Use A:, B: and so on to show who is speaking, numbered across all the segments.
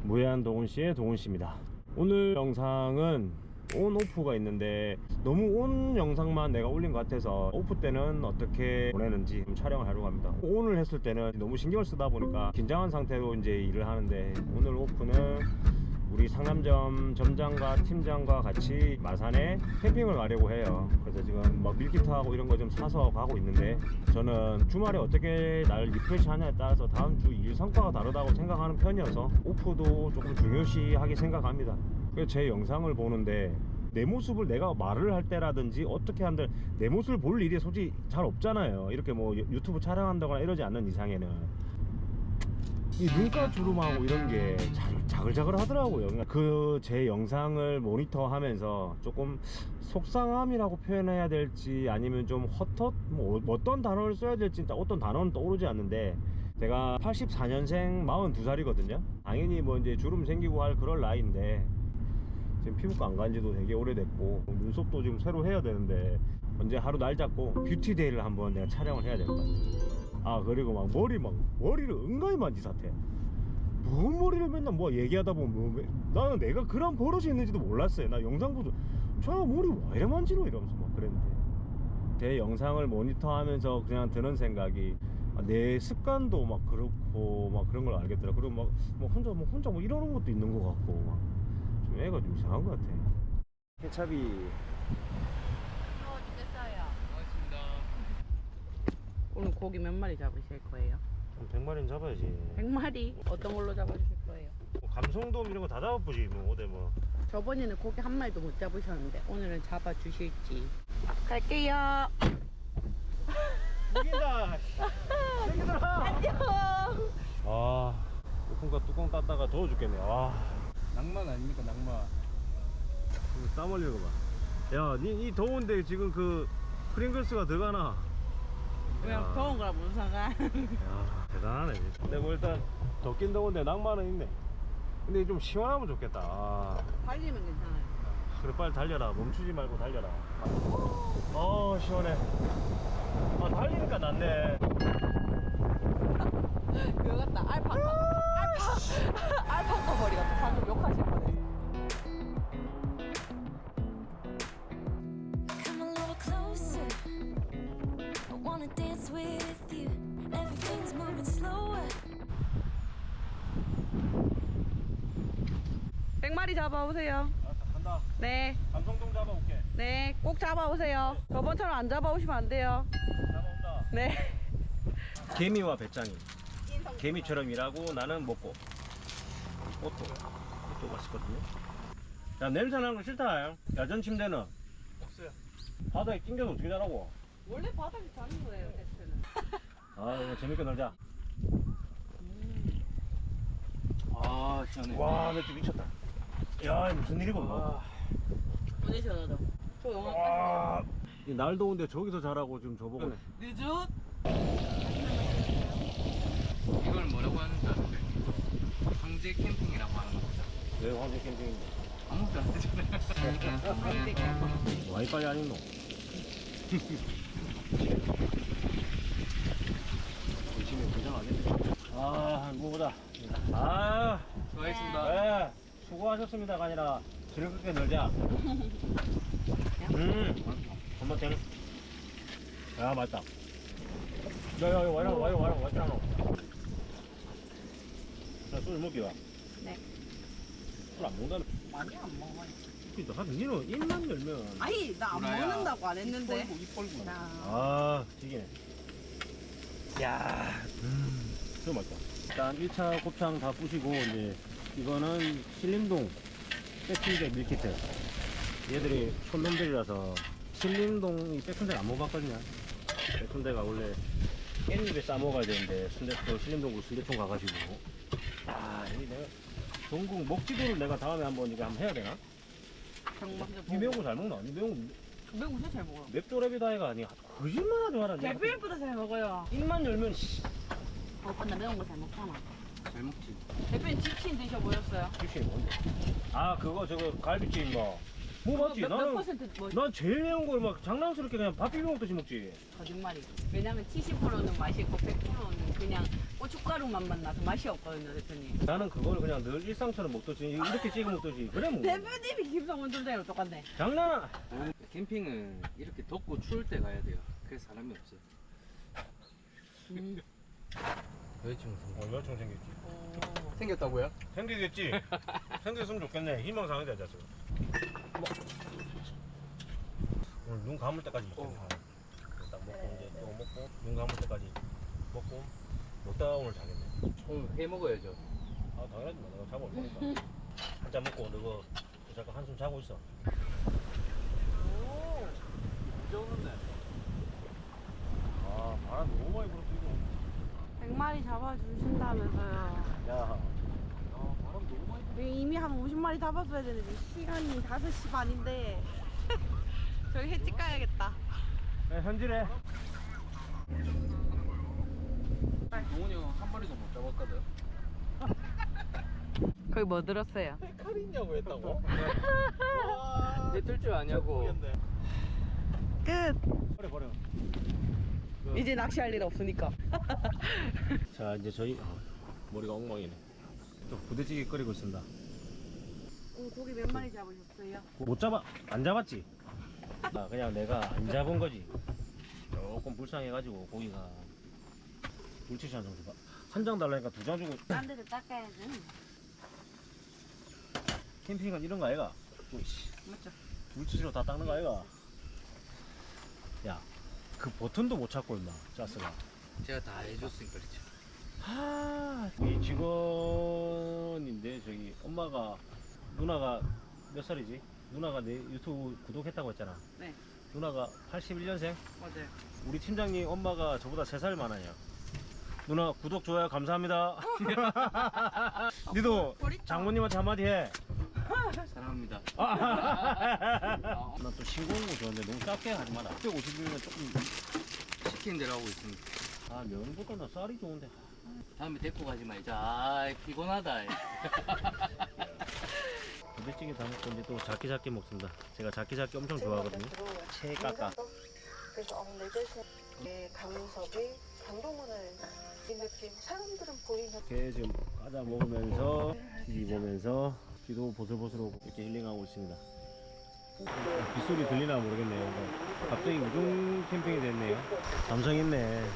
A: 무해한 동훈씨의 동훈씨입니다. 오늘 영상은 온 오프가 있는데 너무 온 영상만 내가 올린 것 같아서 오프 때는 어떻게 보내는지 촬영을 하려고 합니다. 오늘 했을 때는 너무 신경을 쓰다 보니까 긴장한 상태로 이제 일을 하는데, 오늘 오프는 우리 상남점 점장과 팀장과 같이 마산에 캠핑을 가려고 해요. 그래서 지금 막 밀키트하고 이런 거 좀 사서 가고 있는데, 저는 주말에 어떻게 날 리프레시 하냐에 따라서 다음 주 일 성과가 다르다고 생각하는 편이어서 오프도 조금 중요시하게 생각합니다. 그래서 제 영상을 보는데 내 모습을 내가 말을 할 때라든지 어떻게 한들 내 모습을 볼 일이 솔직히 잘 없잖아요. 이렇게 뭐 유튜브 촬영한다거나 이러지 않는 이상에는 이 눈가 주름하고 이런 게 자글자글 하더라고요. 그 제 영상을 모니터하면서 조금 속상함이라고 표현해야 될지 아니면 좀 헛헛 뭐 어떤 단어를 써야 될지 어떤 단어는 떠오르지 않는데, 제가 84년생 42살이거든요 당연히 뭐 이제 주름 생기고 할 그럴 나이인데, 지금 피부과 안 간 지도 되게 오래됐고 눈썹도 지금 새로 해야 되는데, 언제 하루 날 잡고 뷰티데이를 한번 내가 촬영을 해야 될 것 같아. 아, 그리고 막 머리를 은근히 만지사태. 뭔 머리를 맨날 뭐 얘기하다 보면 나는 내가 그런 버릇이 있는지도 몰랐어요. 나 영상 보고 저 머리 왜 이래 만지노 이러면서 막 그랬는데, 제 영상을 모니터하면서 그냥 드는 생각이, 내 습관도 막 그렇고 막 그런 걸 알겠더라. 그리고 막 혼자 뭐 이러는 것도 있는 것 같고, 막 좀 애가 좀 이상한 것 같아. 케찹이
B: 됐어요.
C: 고맙습니다.
B: 오늘 고기 몇 마리 잡으실 거예요?
A: 100마리는 잡아야지.
B: 100마리? 어떤 걸로 잡아주실 거예요?
A: 뭐 감성돔 이런 거 다 잡아보지 뭐. 어디 뭐
B: 저번에는 고기 한 마리도 못 잡으셨는데 오늘은 잡아주실지. 갈게요.
A: 이긴다. 새끼들아.
B: 안녕.
A: 아, 오픈카 뚜껑 땄다가 더워 죽겠네. 아,
C: 낭만 아닙니까, 낭만?
A: 땀 흘리는 거 봐. 야, 니 더운데 지금 그 프링글스가 들어가나?
B: 그냥 더운 거라 무슨 상관.
A: 야, 대단하네. 근데 뭐 일단 덥긴 더운데 낭만은 있네. 근데 좀 시원하면 좋겠다. 아,
B: 달리면 괜찮아요.
A: 그래, 빨리 달려라. 멈추지 말고 달려라. 시원해. 아, 달리니까 낫네.
B: 그거 같다. 알파카 머리 같다. 방금 욕하실 뻔했어.
D: Come a little closer. I wanna dance with you. Everything's moving slower.
B: 100마리 잡아오세요.
A: 알았어, 간다.
B: 네.
A: 감성돔 잡아올게.
B: 네. 꼭 잡아오세요. 저번처럼 안 잡아오시면 안 돼요.
A: 잡아온다.
B: 네.
A: 개미와 배짱이. 개미처럼 일하고 나는 먹고. 꽃도 맛있거든요. 야, 냄새 나는 거 싫다. 야전 침대는
C: 없어요.
A: 바닥에 낑겨서 어떻게 자라고.
B: 원래 바닥에 자는 거예요, 테스트는.
A: 아, 이거 재밌게 놀자.
C: 아, 시원해.
A: 와, 맥주 미쳤다. 야, 무슨 일이고.
B: 오늘 전화도. 저 영화
A: 와, 날 더운데 저기서 자라고 지금 저보고.
B: 늦었?
C: 이걸 뭐라고 하는지 아는데? 황제 캠핑이라고 하는 거죠.
A: 왜 황제 캠핑인데?
C: 아무것도 안 되잖아요.
A: 와이파이 안 있노? 열심히 고생하겠네. 아, 무보다. 아,
C: 수고하셨습니다.
A: 네, 수고하셨습니다가 아니라 즐겁게 놀자. 한번 되는. 야, 맛있다. 야, 와이라, 왔잖아. 나 술 먹기 와.
B: 네.
A: 술 안 먹는다는.
B: 많이 안 먹어요.
A: 그니까, 니는 입만 열면.
B: 아니, 나 안
C: 보라야.
B: 먹는다고 안 했는데.
C: 입 벌고.
B: 나.
A: 아, 튀기네. 야, 진짜 맛있다. 일단 1차 곱창 다 부시고, 이제, 이거는 신림동 백순대 밀키트. 얘들이 손놈들이라서 신림동이 백순대를 안 먹어봤거든요. 백순대가 원래 깻잎에 싸먹어야 되는데, 순대통, 신림동구 순대통 가가지고. 아, 이 내가 전국 먹지도를 내가 다음에 한번 이거 한번 해야 되나?
B: 정말
A: 니 매운 거 잘 먹나? 니 매운 거
B: 매운 거 진짜 잘 먹어요.
A: 맵조랩이다 해가 아니 거짓말 하지 마라.
B: 대표님보다 잘 먹어요.
A: 입만 열면 씨.
B: 오빠 나 매운 거 잘 먹잖아.
C: 잘 먹지.
B: 대표님 치킨 드셔보셨어요?
A: 집신이 뭔데? 아, 그거 저거 갈비찜 뭐 맞지?
B: 몇 퍼센트 뭐
A: 난 제일 매운 걸 막 장난스럽게 그냥 밥 비벼 먹듯이 먹지.
B: 거짓말이죠. 왜냐면 70%는 맛있고 100%는 그냥 고춧가루 맛만 나서 맛이 없거든요, 대표님.
A: 나는 그걸 그냥 늘 일상처럼 먹듯이 이렇게 찍어 먹듯이 그래 먹는 거야.
B: 대표님이 김성원 점장이랑 똑같네.
A: 장난아.
C: 캠핑은 이렇게 덥고 추울 때 가야 돼요. 그래서 사람이 없어요. 여자친구
A: 여자친구 생겼지.
C: 생겼다고요?
A: 생기겠지. 생겼으면 좋겠네. 희망사항이다 자식. 오늘 눈 감을 때까지 먹겠네. 딱 먹고 이제 또 먹고 눈 감을 때까지 먹고 먹다가 오늘 자겠네.
C: 오늘 회 먹어야죠.
A: 아 당연하지 마. 내가 자고 올 거니까. 한잔 먹고 너가 잠깐 한숨 자고 있어.
C: 좋은데.
A: 아 바람 너무 많이 불어 이거.
B: 100마리 잡아주신다면서요.
A: 야. 아 바람 너무 많이 불어.
B: 이미 한 50마리 잡았어야 되는데 시간이 5시 반인데 저기 횟집 가야겠다.
A: 네, 현질해.
C: 동훈이 형 한 마리도 못 잡았거든.
B: 거기 뭐 들었어요?
C: 칼 있냐고 했다고? 내뜰줄 아냐고.
B: 끝.
A: 버려.
B: 이제 낚시할 일 없으니까.
A: 자 이제 저희 머리가 엉망이네. 또 부대찌개 끓이고 있습니다.
B: 고기 몇 마리 잡으셨어요?
A: 못 잡아. 안 잡았지. 아, 그냥 내가 안 잡은 거지. 조금 불쌍해가지고 고기가 물티슈 한 장 줘봐. 한 장 달라니까 2장 주고.
B: 딴 데서 닦아야지.
A: 캠핑은 이런 거 아이가? 오이씨.
B: 맞죠?
A: 물티슈로 다 닦는 거 아이가? 야, 그 버튼도 못 찾고 임마 짜스가.
C: 제가 다 해줬으니까 그렇죠.
A: 이 직원인데 저기 엄마가 누나가 몇 살이지? 누나가 내 유튜브 구독했다고 했잖아.
B: 네,
A: 누나가 81년생?
B: 맞아요.
A: 우리 팀장님 엄마가 저보다 3살 많아요. 누나 구독 좋아요 감사합니다. 니도 장모님한테 한마디 해.
C: 사랑합니다.
A: 나 또 싱거운 거 좋아하는데 너무 작게 하지 마라. 150이면 조금.
C: 시킨 대로 하고 있습니다.
A: 아 면보다 나 쌀이 좋은데.
C: 다음에 데리고 가지 말자. 아 피곤하다.
A: 부대찌개 담을 건데 또 작게 먹습니다. 제가 작게 엄청 좋아하거든요. 채 깎아.
E: 그래서 내 대신 강섭이 강동원을 이 느낌 사람들은 보이는
A: 이렇게 지금 과자 먹으면서 TV 보면서 귀도 보슬보슬하고 이렇게 힐링하고 있습니다. 빗소리 들리나 모르겠네요. 갑자기 우중 캠핑이 됐네요. 감성 있네.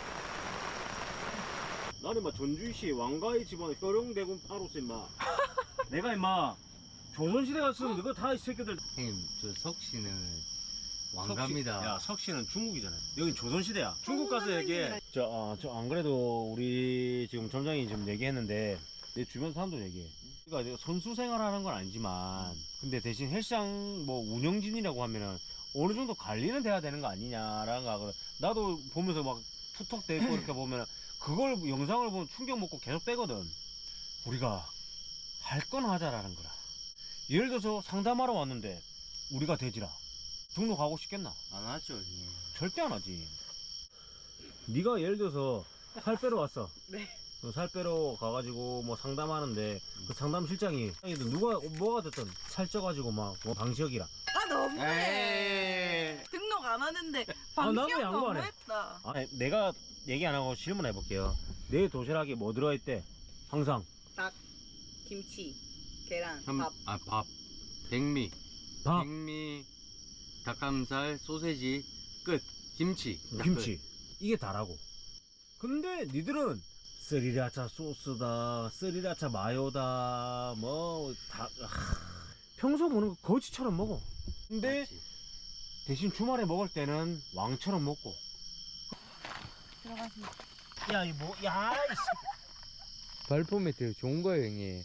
A: 나는 막 전주시 왕가의 집안 효령대군 파로스 임마. 내가 임마 조선시대 갔으면 너가 다 이 새끼들.
C: 형님 저 석씨는 왕갑니다.
A: 야 석씨는 중국이잖아. 여긴 조선시대야. 중국 가서 얘기해. 저 안 그래도 우리 지금 점장이 지금 얘기했는데 내 주변 사람도 얘기해. 그러니까 선수 생활하는 건 아니지만 근데 대신 헬스장 뭐 운영진이라고 하면은 어느 정도 관리는 돼야 되는 거 아니냐라는 거 하거든. 나도 보면서 막 툭툭대고 이렇게 보면 그걸 영상을 보면 충격 먹고 계속 빼거든. 우리가 할 건 하자라는 거라. 예를 들어서 상담하러 왔는데 우리가 돼지라 등록하고 싶겠나?
C: 안 하죠 형님.
A: 절대 안 하지. 네가 예를 들어서 살 빼러 왔어.
B: 네.
A: 살 빼러 가가지고 뭐 상담하는데 그 상담 실장이 누가 뭐가 됐든 살쪄가지고 막 뭐 방시혁이라.
B: 아 너무해. 등록 안 하는데
A: 나도
B: 방시혁
A: 양보 안 해.
B: 너무했다.
A: 아니 내가 얘기 안 하고 질문해 볼게요. 내 도시락에 뭐 들어있대? 항상
B: 닭, 김치, 계란, 밥.
C: 밥. 백미.
A: 밥,
C: 백미. 닭가슴살, 소세지, 끝. 김치.
A: 김치 이게 다라고. 근데 니들은 스리라차 소스다, 스리라차 마요다, 뭐 다 평소 먹는 거 거지처럼 먹어. 근데
C: 맞지.
A: 대신 주말에 먹을 때는 왕처럼 먹고.
B: 들어가십니다.
A: 야, 이 뭐, 야,
C: 발포 매트 좋은 거예요 형님.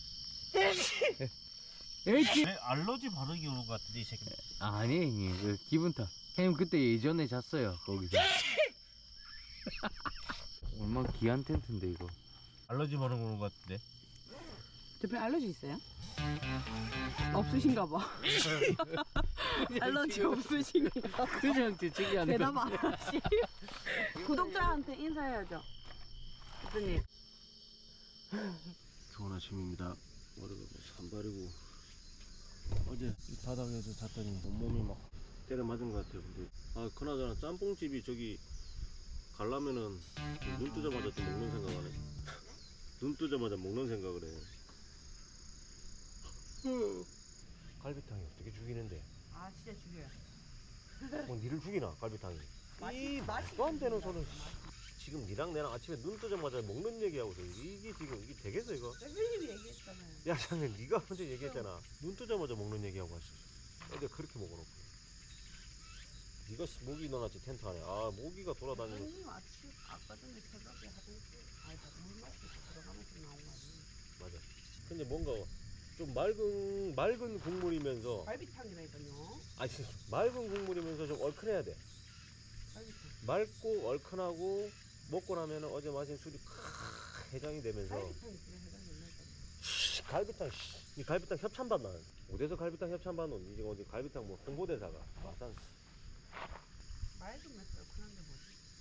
A: 내 알러지 바르기 오는 것 같은데 이 새끼.
C: 아니 형님 그 기분 탓. 형님 그때 예전에 잤어요 거기서. 얼마나 귀한 텐트인데 이거.
A: 알러지 바르기 오는 것 같은데.
B: 대표 알러지 있어요? 없으신가 봐. 알러지 없으신가 봐.
C: 그냥 재채기 하는
B: 대답 안 하시. 구독자한테 인사해야죠. 대표님.
A: 좋은 아침입니다. 머리가 산발이고 어제 이 바닥에서 잤더니 온몸이 막 때려 맞은 것 같아요. 근데 아 그나저나 짬뽕집이 저기 가려면은 눈 뜨자마자 좀 먹는 생각하네. 눈 뜨자마자 먹는 생각을 해. 갈비탕이 어떻게 죽이는데?
B: 아 진짜 죽여요.
A: 뭐 니를 죽이나 갈비탕이? 이
B: 맛이
A: 말도 안 되는 소리. 지금 니랑 내랑 아침에 눈 뜨자마자 먹는 얘기하고서 이게 지금 이게 되겠어 이거?
B: 대표님이 얘기했잖아요.
A: 야 장면 니가 먼저 얘기했잖아. 눈 뜨자마자 먹는 얘기하고 왔어. 어제 그렇게 먹어놓고. 니가 모기 넣어놨지 텐트 안에. 아 모기가 돌아다니는.
B: 대표님 아침 아까 전에 새벽에 하던지 아니 물 마시고 들어가면서 나온 거 아니에요?
A: 맞아. 근데 뭔가 좀 맑은 국물이면서
B: 갈비탕이라니까요.
A: 아니 맑은 국물이면서 좀 얼큰해야 돼.
B: 갈비탕.
A: 맑고 얼큰하고 먹고 나면은 어제 마신 술이 해장이 되면서
B: 갈비탕이 그래 해당된다니까.
A: 갈비탕 이 갈비탕 협찬 받나? 어디서 갈비탕 협찬 받노? 이제 어디 갈비탕 뭐 홍보대사가 마산
B: 맑은 맛이 얼큰한데 뭐지?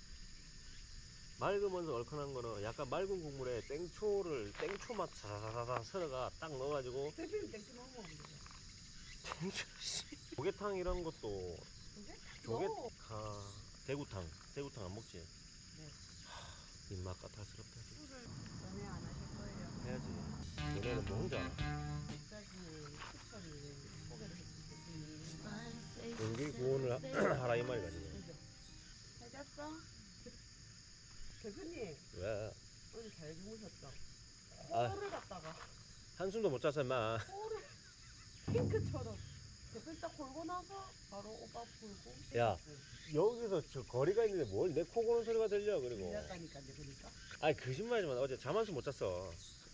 A: 맑으면서 얼큰한 거는 약간 맑은 국물에 땡초 맛 사사사사 썰어가 딱 넣어가지고
B: 대표님 땡초 너무 먹으면 되죠.
A: 땡초 조개탕 이런 것도 조개
B: 오.
A: 대구탕 안 먹지?
B: 네.
A: 입맛 까탈스럽다.
B: 술을 연애 안 하실 거예요.
A: 해야지. 너네는 뭐 혼자 알아?
B: 여기까지는 추천을 소개를 해주셨더니
A: 연기 구원을 하라 이 말이다 지금.
B: 잘 잤어? 대표님
A: 왜?
B: 오늘 잘 주무셨죠?
A: 아.
B: 코를 갖다가
A: 한숨도 못 잤어 임마.
B: 코를 핑크처럼 대표님 딱 골고 나서 바로 오빠 골고
A: 야. 여기서 저 거리가 있는데 뭘 내 코 고는 소리가 들려 그리고.
B: 들렸다니까 이제 그러니까
A: 아니 거짓말이지만 어제 잠 한숨 못 잤어.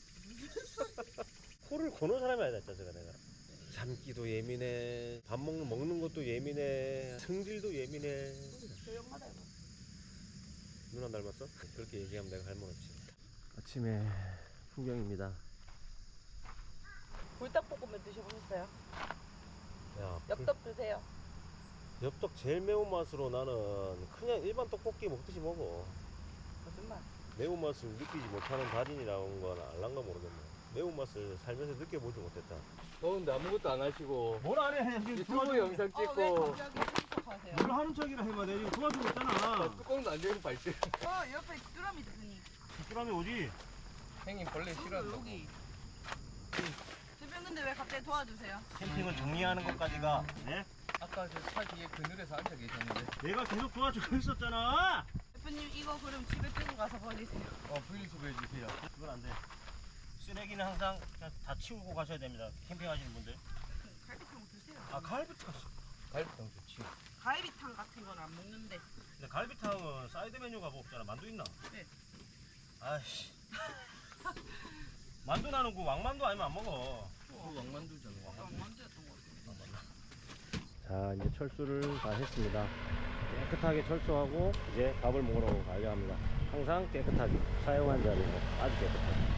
A: 코를 고는 사람이 아니다 진짜 내가. 잠기도 예민해. 밥 먹는 것도 예민해. 성질도 예민해.
B: 조용하다 이거.
A: 누나 닮았어? 그렇게 얘기하면 내가 할 말 없지. 아침에 풍경입니다.
B: 불닭볶음면 드셔보셨어요?
A: 야,
B: 엽떡 드세요.
A: 엽떡 제일 매운맛으로 나는 그냥 일반 떡볶이 먹듯이 먹어.
B: 거짓말.
A: 매운맛을 느끼지 못하는 달인이라는 건 알란가 모르겠네. 매운맛을 살면서 느껴보지 못했다.
C: 더운데 아무것도 안 하시고
A: 뭘 안 해?
C: 유튜브 영상
B: 왜
C: 찍고
B: 갑자기 출석하세요?
A: 뭘 하는 척이라 해봐. 내가 지금 도와주고 있잖아.
C: 뚜껑도 안 열고 발질.
B: 옆에 뚜라미 대표님.
A: 뚜라미 오지?
C: 형님 벌레 싫어한다고.
B: 여기. 대표님 근데 왜 갑자기 도와주세요?
A: 캠핑을 정리하는 것까지가 네?
C: 아까 저 차 뒤에 그늘에서 앉아 계셨는데
A: 내가 계속 도와주고 있었잖아.
B: 대표님 이거 그럼 집에 끌고 가서 버리세요.
C: 분리수거 해주세요.
A: 그건 안 돼. 쓰레기는 항상 그냥 다 치우고 가셔야 됩니다. 캠핑하시는 분들.
B: 갈비탕 드세요.
A: 아 갈비탕.
C: 갈비탕 좋지.
B: 갈비탕 같은 건 안 먹는데.
A: 근데 갈비탕은 사이드 메뉴가 뭐 없잖아. 만두 있나?
B: 네.
A: 아이씨. 만두 나는 그 왕만두 아니면 안 먹어.
C: 그 왕만두잖아.
B: 만두였던 것 같아요.
A: 자 이제 철수를 다 했습니다. 깨끗하게 철수하고 이제 밥을 먹으러 가야 합니다. 항상 깨끗하게 사용한 자리는 아주 깨끗하게.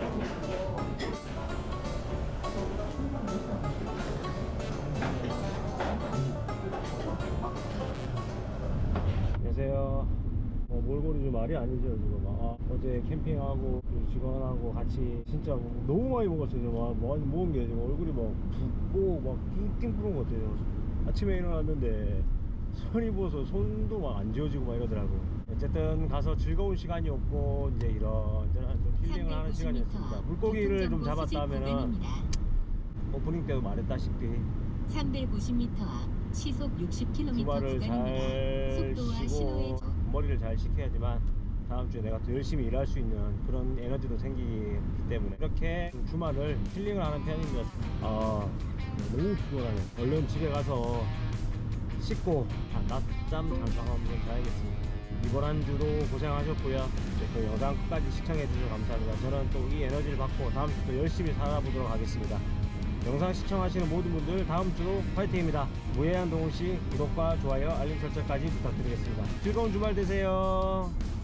A: 안녕하세요. 몰골이 좀 말이 아니죠 지금. 어제 캠핑하고 그 직원하고 같이 진짜 너무 많이 먹었어요. 많이 먹은 게 지금 얼굴이 막 붓고 막 띵띵 부은 것 같아요. 아침에 일어났는데 손이 부어서 손도 막 안 지워지고 막 이러더라고. 어쨌든 가서 즐거운 시간이었고 이제 이런저런 좀 힐링을 하는 시간이었습니다. 물고기를 좀 잡았다 하면은 오프닝 때도 말했다시피
F: 350m 앞 시속 60km
A: 주말을
F: 구간입니다.
A: 잘
F: 속도와
A: 쉬고
F: 신호에
A: 머리를 잘 식혀야지만 다음 주에 내가 더 열심히 일할 수 있는 그런 에너지도 생기기 때문에 이렇게 주말을 힐링을 하는 편입니다. 너무 피곤하네. 얼른 집에 가서 씻고 낮잠 잠깐 한번 자야겠습니다. 이번 한 주도 고생하셨고요. 이제 그 영상 끝까지 시청해 주셔서 감사합니다. 저는 또 이 에너지를 받고 다음 주도 열심히 살아보도록 하겠습니다. 영상 시청하시는 모든 분들 다음 주도 화이팅입니다. 무해한 동훈씨 구독과 좋아요 알림 설정까지 부탁드리겠습니다. 즐거운 주말 되세요.